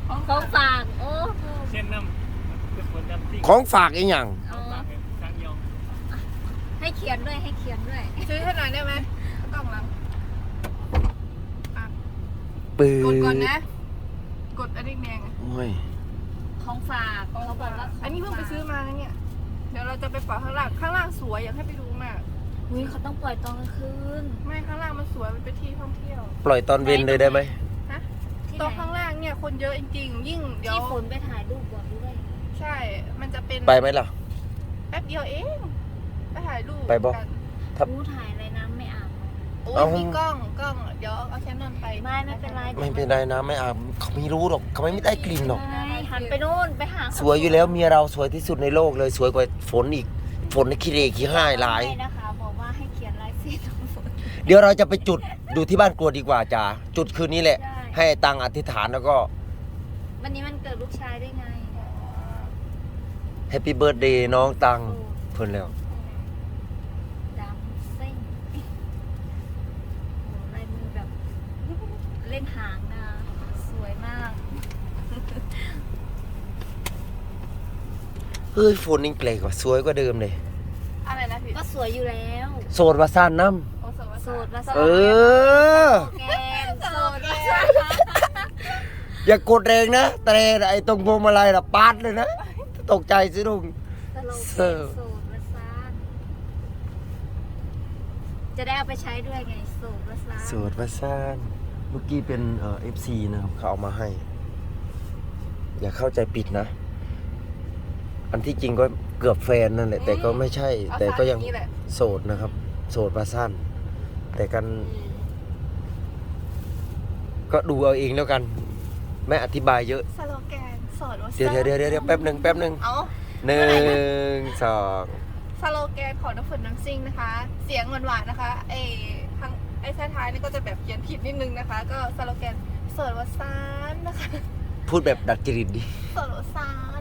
ของฝากโอ้เช่นน้ำของฝากอีกอย่างให้เขียนด้วยให้เขียนด้วยซื้อให้หน่อยได้ไหมกล่องหลังปืนกดก่อนนะกดอันนี้แดงโอ้ยของฝากเขาบอกว่าอันนี้เพิ่งไปซื้อมานะเนี่ยเดี๋ยวเราจะไปปล่อยข้างล่างสวยอยากให้ไปดูมากอุ้ยเขาต้องปล่อยตอนกลางคืนไม่ข้างล่างมันสวยมันเป็นที่ท่องเที่ยวปล่อยตอนเย็นเลยได้ไหมฮะตรงข้างล่างเนี่ยคนเยอะจริงๆยิ่งเดี๋ยวที่ฝนไปถ่ายรูปก่อนด้วยใช่มันจะเป็นไปไหมล่ะแป๊บเดียวเองไปถ่ายรูปไปบ่รู้ถ่ายอะไรน้ำไม่อาบโอ้ยมีกล้องเดี๋ยวเอาแคนนอนไปไม่เป็นไรไม่เป็นไรนะไม่อาบเขาไม่รู้หรอกเขาไม่ได้กลิ่นหรอกหันไปโน่นไปหาสวยอยู่แล้วเมียเราสวยที่สุดในโลกเลยสวยกว่าฝนอีกฝนในขี้เรขี้ห้ายหลายนะคะบอกว่าให้เขียนลายเส้นของฝนเดี๋ยวเราจะไปจุดดูที่บ้านกรวดดีกว่าจ้าจุดคืนนี้แหละให้ตังอธิษฐานแล้วก็วันนี้มันเกิดลูกชายได้ไงแฮปปี้เบิร์ดเดย์น้องตังเพิ่นแล้วดำเส้นลายมือแบบเล่นหางนะสวยมากเฮ้ยฝนนี่แปลกกว่าสวยกว่าเดิมเลยอะไรนะพี่ก็สวยอยู่แล้วโสดวาซ่านน้ำโสดวาซ่านโสดอย่ากดแรงนะแต่ไอ้ตรงพวงมาลัยน่ะปาดเลยนะตกใจสิลุงโสดวาซ่านจะได้เอาไปใช้ด้วยไงโสดวาซ่านโสดวาซ่านเมื่อกี้เป็นFC นะครับเขาเอามาให้อย่าเข้าใจผิดนะอันที่จริงก็เกือบแฟนนั่นแหละแต่ก็ไม่ใช่แต่ก็ยังโสดนะครับโสดวาซ่านแต่กันก็ดูเอาเองแล้วกันไม่อธิบายเยอะสโลแกนโสดวาซ่านเดี๋ยวแป๊บหนึ่ง1 2 สโลแกนของน้ำฝนน้ำซิ่งนะคะเสียงหวานๆนะคะไอ้ท้ายนี่ก็จะแบบเขียนผิดนิดนึงนะคะก็สโลแกนโสดวาซ่านนะคะพูดแบบดัดจริตดิโสดวาซ่าน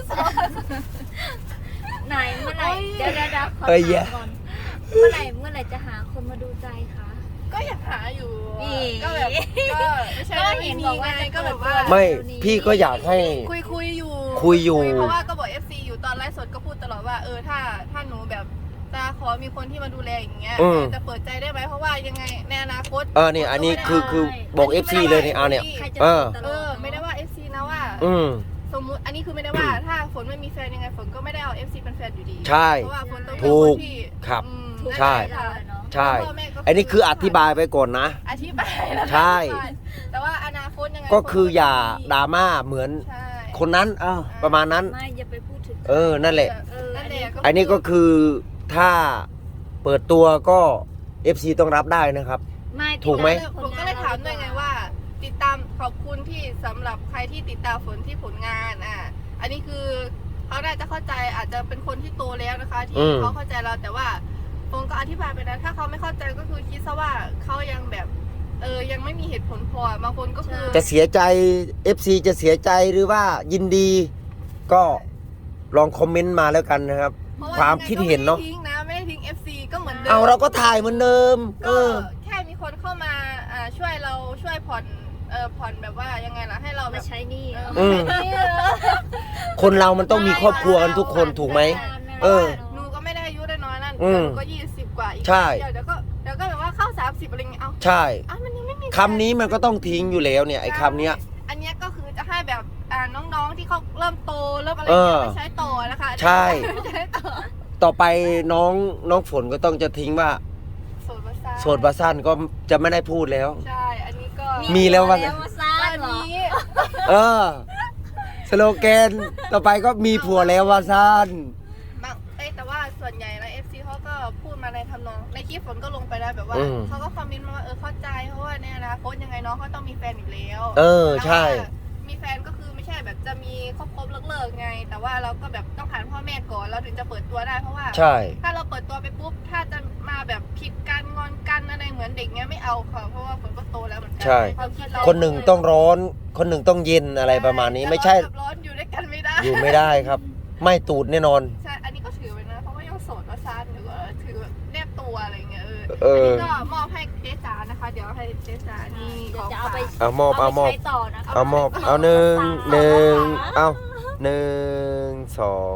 ไหนเมื่อไหร่เดี๋ยวขอถามก่อนเมื่อไหร่จะหาคนมาดูใจคะก็อยากหาอยู่ก็แบบก็ไม่ใช่ก็เห็นบอกว่าก็แบบว่าไม่พี่ก็อยากให้คุยอยู่เพราะว่าก็บอก FC อยู่ตอนไลฟ์สดก็พูดตลอดว่าถ้าหนูแบบจะขอมีคนที่มาดูแลอย่างเงี้ยจะเปิดใจได้ไหมเพราะว่ายังไงในอนาคตนี่อันนี้คือบอก FC เลยนี่เนี่ยไม่ได้ว่า FC นะว่าสมมุติอันนี้คือไม่ได้ว่าถ้าฝนไม่มีแฟนยังไงฝนก็ไม่ได้เอา FC เป็นแฟนอยู่ดีใช่เพราะว่าฝนต้องเป็นคนที่ครับใช่อันนี้คืออธิบายไปก่อนนะอธิบายแล้วใช่แต่ว่าอนาคตยังไงก็คืออย่าดราม่าเหมือนคนนั้นประมาณนั้นไม่อย่าไปพูดถึงนั่นแหละอันนี้ก็คือถ้าเปิดตัวก็ FC ต้องรับได้นะครับถูกไหมผมก็เลยถามด้วยไงว่าติดตามขอบคุณที่สำหรับใครที่ติดตามฝนที่ผลงานอันนี้คือเขาน่าจะเข้าใจอาจจะเป็นคนที่โตแล้วนะคะที่เขาเข้าใจเราแต่ว่าผมก็อธิบายไปนะถ้าเขาไม่เข้าใจก็คือคิดซะว่าเขายังแบบยังไม่มีเหตุผลพอบางคนก็คือจะเสียใจ FC จะเสียใจหรือว่ายินดีก็ลองคอมเมนต์มาแล้วกันนะครับความคิดเห็นเนาะไม่ได้ทิ้ง FC ก็เหมือนเดิมเราก็ถ่ายเหมือนเดิมแค่มีคนเข้ามาช่วยเราช่วยผ่อนแบบว่ายังไงล่ะให้เรามาใช้หนี้คนเรามันต้องมีครอบครัวกันทุกคนถูกไหมหนูก็ไม่ได้อายุได้น้อยนั่นหนูก็20 กว่าอีกใช่เดี๋ยวก็แบบว่าเข้า30อะไรเงี้ยใช่มันยังไม่มีคำนี้มันก็ต้องทิ้งอยู่แล้วเนี่ยไอ้คำเนี้ยอันเนี้ยก็คือจะให้แบบน้องๆที่เขาเริ่มโตเริ่มอะไรไปใช้ต่อนะคะใช่ต่อไปน้องฝนก็ต้องจะทิ้งว่าโสดวาซ่านก็จะไม่ได้พูดแล้วใช่อันนี้ก็มีแล้วว่านี้สโลแกนต่อไปก็มีผัวแล้ววาซ่านแต่ว่าส่วนใหญ่นะ FC เขาก็พูดมาในทำนองในคลิปฝนก็ลงไปแล้วแบบว่าเขาก็คอมเมนต์มาว่าเข้าใจเพราะว่าเนี่ยนะโค้ชยังไงน้องเขาต้องมีแฟนอยู่แล้วใช่มีแฟนก็คือไม่ใช่แบบจะมีครบเลิกไงแต่ว่าเราก็แบบต้องผ่านพ่อแม่ก่อนเราถึงจะเปิดตัวได้เพราะว่าถ้าเราเปิดตัวไปปุ๊บถ้าจะมาแบบผิดกันงอนกันอะไรเหมือนเด็กเงี้ยไม่เอาค่ะเพราะว่าฝนก็โตแล้วเหมือนกัใช่คนหนึ่งต้องร้อนคนหนึ่งต้องเย็นอะไรประมาณนี้ไม่ใช่ร้อนอยู่ด้วยกันไม่ได้อยู่ไม่ได้ครับไม่ตูดแน่นอนใช่อันนี้ก็ถือไว้นะเพราะว่ายังโสดว่าซ่านหรือว่าถือแบบแนบตัวอะไรเงี้ยอันนี้ก็มอบให้เจ๊จ๋านะนะคะ เดี๋ยวให้เจ๊จ๋านี่เดี๋ขยวองจะเอาฝากไปเอามอบไปใช้ต่อนะคะเอามอบเอา1 1เอา1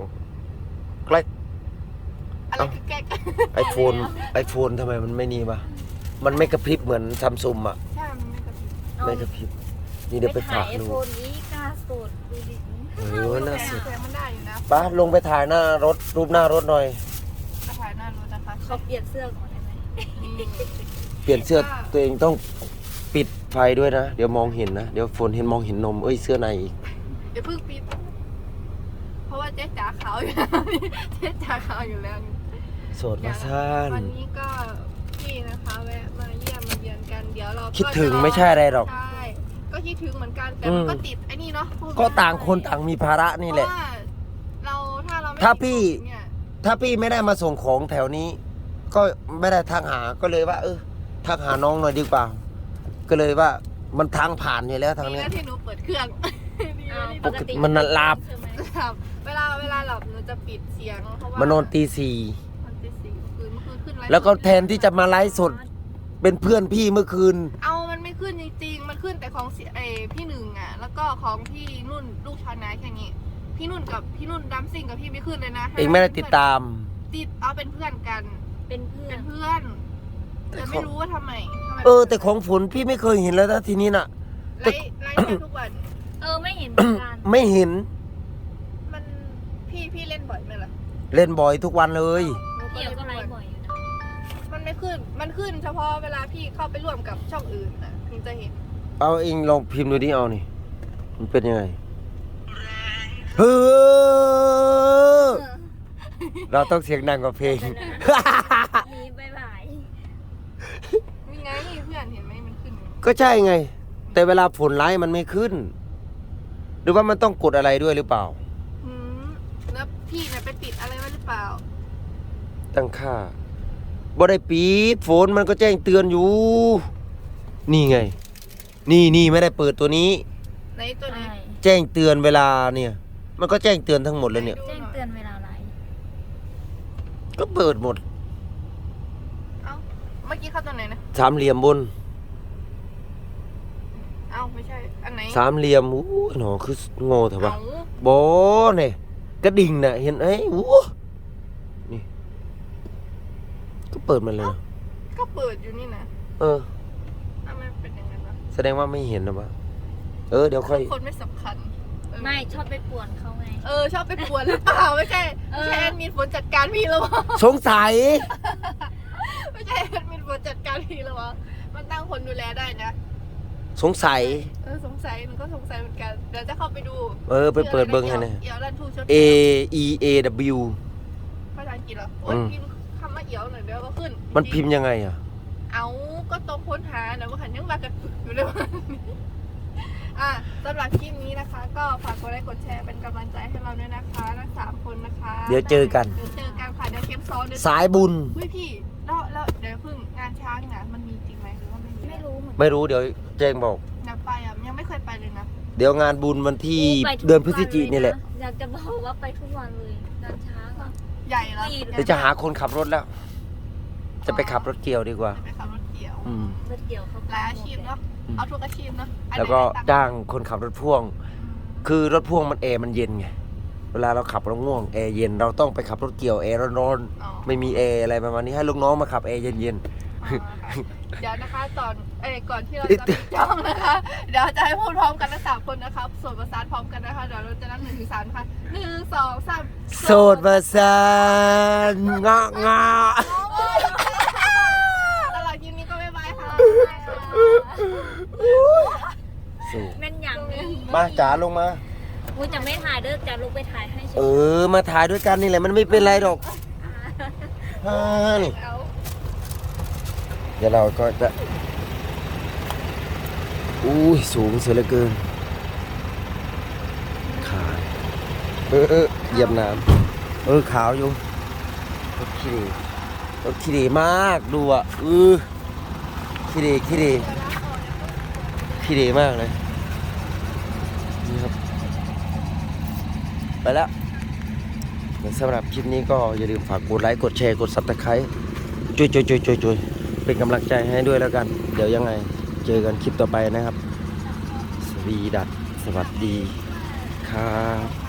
2ใกล้อะไรคือแก๊กไอโฟนทำไมมันไม่นี่วะมันไม่กระพริบเหมือนซัมซุงอ่ะใช่มันไม่กระพริบไม่กระพริบนี่เดี๋ยวไปฝากไอดูโฟนนี้กล้าสุดดูดิน่าสุดแสงมันได้อยู่นะป้าลงไปถ่ายหน้ารถรูปหน้ารถหน่อยกระถ่ายหน้ารถนะคะเขาเปลี่ยนเสื้อก่อนได้ไหมนี่เปลี่ยนเสื้อตัวเองต้องปิดไฟด้วยนะ เดี๋ยวมองเห็นนะ เดี๋ยวฝนเห็นมองเห็นนมเอ้ยเสื้อในอีกเดี๋ยวเพิ่งปิดเพราะว่าเจ๊จ๋าขาวอยู่แล้วเจ๊จ๋าขาวอยู่แล้วโสดมาซ่านวันนี้ก็พี่นะคะแวะมาเยี่ยมมาเยือนกันเดี๋ยวเราคิดถึงไม่ใช่อะไรหรอกใช่ก็คิดถึงเหมือนกันแต่มันก็ติดไอ้นี่เนาะพูดก็ต่างคนต่างมีภาระนี่แหละเพราะว่าเราถ้าเราไม่ถ้าพี่เนี่ยถ้าพี่ไม่ได้มาส่งของแถวนี้ ก็ไม่ได้ทักหาก็เลยว่า ทักหาน้องหน่อยดีกว่า ก็เลยว่ามันทางผ่านอยู่แล้วทางดีเนี้ยนะที่หนูเปิดเครื่องดีนะที่ปกติมันหลับใช่ไหมหลับเวลาหลับหนูจะปิดเสียงเพราะว่ามานอนตีมันตีสี่เมื่อคืนขึ้นไลฟ์ 4แล้วก็แทนที่จะมาไลฟ์สดเป็นเพื่อนพี่เมื่อคืนเอามันไม่ขึ้นจริงๆมันขึ้นแต่ของพี่หนึ่งอ่ะแล้วก็ของพี่นุ่นลูกชาวนาแค่นี้พี่นุ่นดัมซิ่งกับพี่ไม่ขึ้นเลยนะเองไม่ได้ติดตามติดเอาเป็นเพื่อนกันเป็นเพื่อเป็น นเพื่อนแต่ไม่รู้ว่าทำไมแต่ของฝนพี่ไม่เคยเห็นแล้วนะทีนี้น่ะไลฟ์ได้ทุกวันไม่เห็นเหมือนกันไม่เห็นมันพี่เล่นบ่อยไหมล่ะเล่นบ่อยทุกวันเลยหนูเกี่ยวก็ไลเล่นฟ์บ่อยอยู่นะมันไม่ขึ้นมันขึ้นเฉพาะเวลาพี่เข้าไปร่วมกับช่องอื่นนะถึงจะเห็นเอาเองลองพิมพ์ดูดิเอานี่ มันเป็นยังไงเฮ้อเราต้องเสียงดังกว่าเพลงมีบายบายมีไงเพื่อนเห็นไหมมันขึ้นก็ใช่ไง แต่เวลาฝนไลฟ์มันไม่ขึ้น หรือว่ามันต้องกดอะไรด้วยหรือเปล่าหืมแล้วพี่เนี่ยไปปิดอะไรไว้หรือเปล่าตั้งค่าบ่ได้ปิดฝนมันก็แจ้งเตือนอยู่ นี่ไง นี่ไม่ได้เปิดตัวนี้ในตัวนี้แจ้งเตือนเวลาเนี่ย มันก็แจ้งเตือนทั้งหมดเลยเนี่ยแจ้งเตือนเวลาไลฟ์ก็เปิดหมดเอ้าเมื่อกี้เข้าตัวไหนนะสามเหลี่ยมบนเอ้าไม่ใช่อันไหนสามเหลี่ยมอู้หนอคือโง่เถอะปะเอ้าบอเนี่ยกระดิ่งน่ะเห็นไอ้อู้นี่ก็เปิดมาเลยนะก็เปิดอยู่นี่นะเออทำไมเป็นอย่างนั้นวะแสดงว่าไม่เห็นนะปะเดี๋ยวค่อยคนไม่สำคัญเออไม่ชอบไปป่วนเขาไงชอบไปป่วนหรือเปล่าไม่ใช่ไม่ใช่แอดมินฝนจัดการพี่แล้ววะสงสัยไม่ใช่แอดมินฝนจัดการพี่แล้ววะมันตั้งคนดูแลได้นะสงสัยสงสัยหนูก็สงสัยเหมือนกันเดี๋ยวจะเข้าไปดูไปเปิดเบิ้งให้นะเอี่ยวรันทูชด A E A W ภาษาอังกฤษเหรอโอ้ยพิมพ์คำว่าเอี่ยวหน่อยเดี๋ยวก็ขึ้นมันพิมพ์ยังไงอ่ะเอาก็ตรงค้นหานะว่าหันยังมากันอยู่เลยวันนี้สำหรับคลิปนี้นะคะ ก็ฝากกดไลค์กดแชร์เป็นกำลังใจให้เราด้วยนะคะทั้ง3คนนะคะเดี๋ยวเจอกันเดี๋ยวเจอกันค่ะเดี๋ยวเข้มซ้อนเดี๋ยวสายบุญเฮ้ยพี่แล้วเดี๋ยวเพิ่งงานช้างนะมันมีจริงไหมหรือว่าไม่มีไม่รู้เหมือนกันไม่รู้เดี๋ยวแจ้งบอกอยากไปยังไม่เคยไปเลยนะเดี๋ยวงานบุญวันที่ไปทุกเดือนพฤศจิกายนนี่แหละอยากจะบอกว่าไปทุกวันเลยงานช้างอะใหญ่แล้วเดี๋ยวจะหาคนขับรถแล้ว จะไปขับรถเกี่ยวดีกว่าจะไปขับรถเกี่ยวอืมรถเกี่ยวเขาหลายอาชีพเนาะเอาทุกอาชีพเนาะอันไหนแล้วก็ได้ตังค์จ้างคนขับรถพ่วง คือรถพ่วงมันแอร์มันเย็นไง เวลาเราขับเราง่วงแอร์เย็นเราต้องไปขับรถเกี่ยวแอร์ร้อนอ๋อๆไม่มีแอร์อะไรประมาณนี้ให้ลูกน้องมาขับแอร์เย็นอ๋อค่ะเดี๋ยวนะคะก่อนที่เราจะปิดจ้องนะคะ เดี๋ยวจะให้พูดพร้อมกันทั้ง3คนนะคะส่วนประสานพร้อมกันนะคะเดี๋ยวเราจะนับ1 ถึง 3ค่ะ1 2 3 ๆโสดประสานงะงะตลอดคลิปนี้ก็บ๊ายบายค่ะสู้แม่นอย่างนี้มาจ๋าลงมากูจะไม่ถ่ายเด้อจะลงไปถ่ายให้เฉยมาถ่ายด้วยกันนี่แหละมันไม่เป็นไรหรอกนี่เอาเดี๋ยวเราก็จะสูงเสียเหลือเกินขาเหยียบน้ำขาวอยู่รถขี้ดีมากดูอ่ะขี้ดีมากเลยนี่ครับไปแล้วสำหรับคลิปนี้ก็อย่าลืมฝากกดไลค์กดแชร์กด Subscribe จุยเป็นกำลังใจให้ด้วยแล้วกัน เดี๋ยวยังไงเจอกันคลิปต่อไปนะครับ สวีดัสสวัสดีครับ